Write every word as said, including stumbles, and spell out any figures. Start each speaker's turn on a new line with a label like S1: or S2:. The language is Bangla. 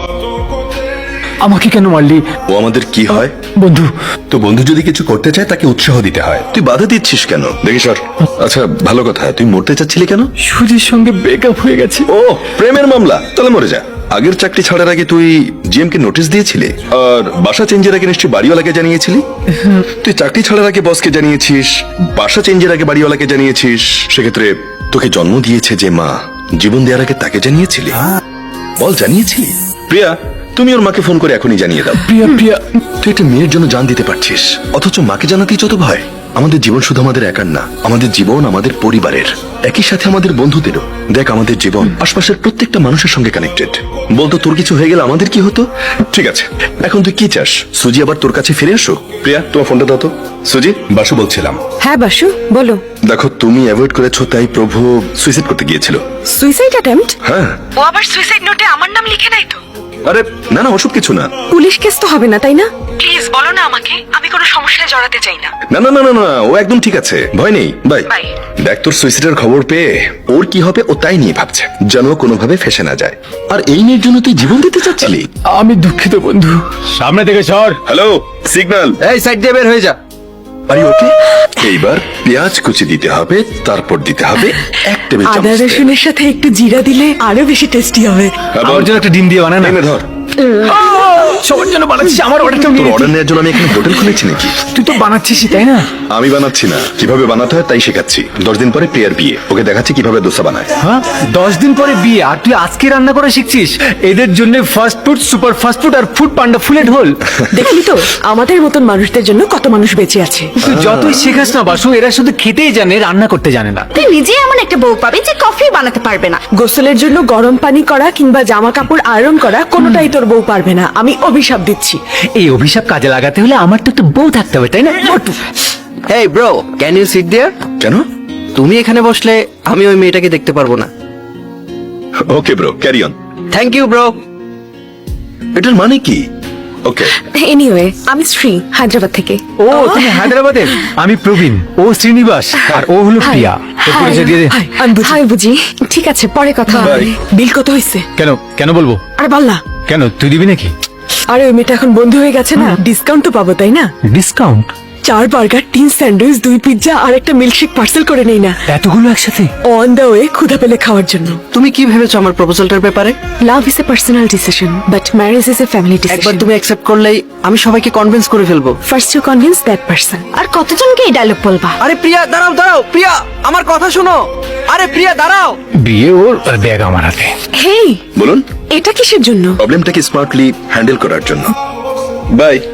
S1: আমাকে কেন মারলি?
S2: ও আমাদের কি হয়?
S1: বন্ধু।
S2: তো বন্ধু যদি কিছু করতে চায় তাকে উৎসাহ দিতে হয়, তুই বাধা দিচ্ছিস কেন? দেখি সর। আচ্ছা ভালো কথা, তুই মরতে চাচ্ছিলি কেন?
S1: সুজির সঙ্গে ব্রেকআপ হয়ে গেছে।
S2: ও প্রেমের মামলা, তাহলে মরে যা। আগের চাকরি ছাড়ার আগে তুই জিএম কে নোটিশ দিয়েছিলি, আর বাসা চেঞ্জের আগে নিশ্চয়ই বাড়িওয়ালাকে জানিয়েছিলি। তুই চাকরি ছাড়ার আগে বসকে জানিয়েছিস, বাসা চেঞ্জের আগে বাড়িওয়ালাকে জানিয়েছিস। সেক্ষেত্রে তোকে জন্ম দিয়েছে যে মা, জীবন দেওয়ার আগে তাকে জানিয়েছিলি? বল জানিয়েছিলি? প্রিয়া, তুমি ওর মাকে ফোন করে এখনই জানিয়ে দাও।
S1: প্রিয়া প্রিয়া
S2: তুই একটা মেয়ের জন্য জান দিতে পারছিস, অথচ মাকে জানাতেই যত ভয়। আমাদের জীবন শুধু আমাদের একার না, আমাদের জীবন আমাদের পরিবারের, একই সাথে আমাদের বন্ধুদেরও। দেখ আমাদের জীবন আশপাশের প্রত্যেকটা মানুষের সঙ্গে কানেক্টেড। বলতো তোর কিছু হয়ে গেলে আমাদের কি হতো? ঠিক আছে, এখন তুই কি চাস? সুজি আবার তোর কাছে ফিরে আসো? প্রিয়া তোমার ফোনটা দাও তো। সুজি, বাসু বলছিলাম।
S3: হ্যাঁ বাসু বলো।
S2: দেখো তুমি অ্যাভয়েড করেছো তাই প্রভু সুইসাইড করতে গিয়েছিল।
S3: Suicide attempt?
S2: হ্যাঁ।
S3: ও আবার সুইসাইড নোটে আমার নাম লিখে নাই তো?
S2: আরে না না, ওসব কিছু না।
S3: পুলিশ কেস তো হবে না তাই না? প্লিজ বলো না আমাকে, আমি কোনো সমস্যায় জড়াতে চাই না।
S2: না না না না না, ও একদম ঠিক আছে, ভয় নেই। বাই।
S3: বাই।
S2: দেখ তোর সুইসাইডের খবর পেয়ে ওর কি হবে ও তাই নিয়ে ভাবছে, যেন ও কোনোভাবে ফেসে না যায়। আর এই মেয়ের জন্য তুই জীবন দিতে চাচ্ছিলি?
S1: আমি দুঃখিত বন্ধু। সামনে থেকে সর।
S2: Hello, signal.
S4: এই সাইড দিয়ে বের হয়ে যা।
S2: আরে ওকে, এইবার পেঁয়াজ কুচি দিতে হবে, তারপর দিতে হবে এক টেবিল চামচ
S3: আদা
S2: তেল।
S3: রসুনের সাথে একটু জিরা দিলে আরো বেশি টেস্টি হবে।
S2: হ্যাঁ, বল।
S1: আমার জন্য একটা ডিম দিয়ে বানা না।
S2: এনে ধর।
S1: সবার জন্য বানাচ্ছিস, আমার অর্ডারটা
S2: তোর অর্ডার নেওয়ার জন্য আমি এখানে হোটেল খুলেছি নাকি?
S1: তুই তো বানাচ্ছিস তাই না?
S2: আমি বানাচ্ছি না, কিভাবে বানাতে হয় তাই শেখাচ্ছি। দশ দিন পরে প্রিয়ার বিয়ে, ওকে দেখাচ্ছি কিভাবে দোসা বানায়।
S1: হ্যাঁ, দশ দিন পরে বিয়ে আর তুই আজকে রান্না করে শিখছিস? এদের জন্য fast food, super fast food আর ফুড পান্ডা ফুলে ঢোল।
S3: দেখলি তো আমাদের মতন মানুষদের জন্য কত মানুষ বেঁচে আছে।
S1: তুই যতই শেখাস না বাসু, এরা শুধু খেতেই জানে, রান্না করতে জানে না।
S5: তুই নিজে এমন একটা বউ পাবি যে কফি বানাতে পারবে না।
S3: গোসলের জন্য গরম পানি করা কিংবা জামা কাপড় আয়রন করা কোনোটাই তোর বউ পারবে না, আমি অভিশাপ দিচ্ছি।
S1: এই অভিশাপ কাজে লাগাতে হলে আমার তো একটা বউ থাকতে হবে তাই না?
S4: Hey bro, can you sit there?
S2: কেন?
S4: তুমি এখানে বসলে আমি ওই মেয়েটাকে দেখতে পারবো না।
S2: Okay bro, carry on.
S4: Thank you bro.
S2: এটার মানে কি? ওকে।
S3: এনিওয়ে, আমি শ্রী, হায়দ্রাবাদ থেকে।
S1: ও তুমি হায়দ্রাবাদের? আমি প্রবীণ, ও শ্রীনিবাস, আর ও হলো প্রিয়া। তোর পরিচয় দিয়ে দে।
S3: হাই বুঝি। ঠিক আছে, পরে কথা হবে। বিল কত হয়েছে?
S1: কেন কেন বলবো?
S3: আরে বল না।
S1: কেন, তুই দিবি নাকি?
S3: আরে ওই মেয়েটা এখন বন্ধু হয়ে গেছে না, ডিসকাউন্ট তো পাবো তাই না?
S1: ডিসকাউন্ট?
S3: চার বার্গার, তিন স্যান্ডউইচ, দুই পিৎজা আর একটা মিল্কশেক পার্সেল করে নেই না?
S1: এতগুলো একসাথে?
S3: অন দ্য ওয়ে ক্ষুধা পেলে খাওয়ার জন্য।
S4: তুমি কি ভেবেছো আমার প্রপোজালটার ব্যাপারে?
S3: Love is a personal decision but marriage is a family
S4: একবার
S3: ডিসিশন।
S4: তুমি অ্যাকসেপ্ট করলেই আমি সবাইকে কনভিন্স করে ফেলবো।
S3: First you convince that person.
S5: আর কতজনকে এই ডায়লগ বলবা?
S4: আরে প্রিয়া দাঁড়াও দাঁড়াও, প্রিয়া আমার কথা শোনো। আরে প্রিয়া দাঁড়াও।
S1: বিয়ে ওর আর ব্যাগ আমার হাতে।
S3: হেই,
S2: বলুন।
S3: এটা কিসের জন্য?
S2: প্রবলেমটাকে স্মার্টলি হ্যান্ডেল করার জন্য। বাই।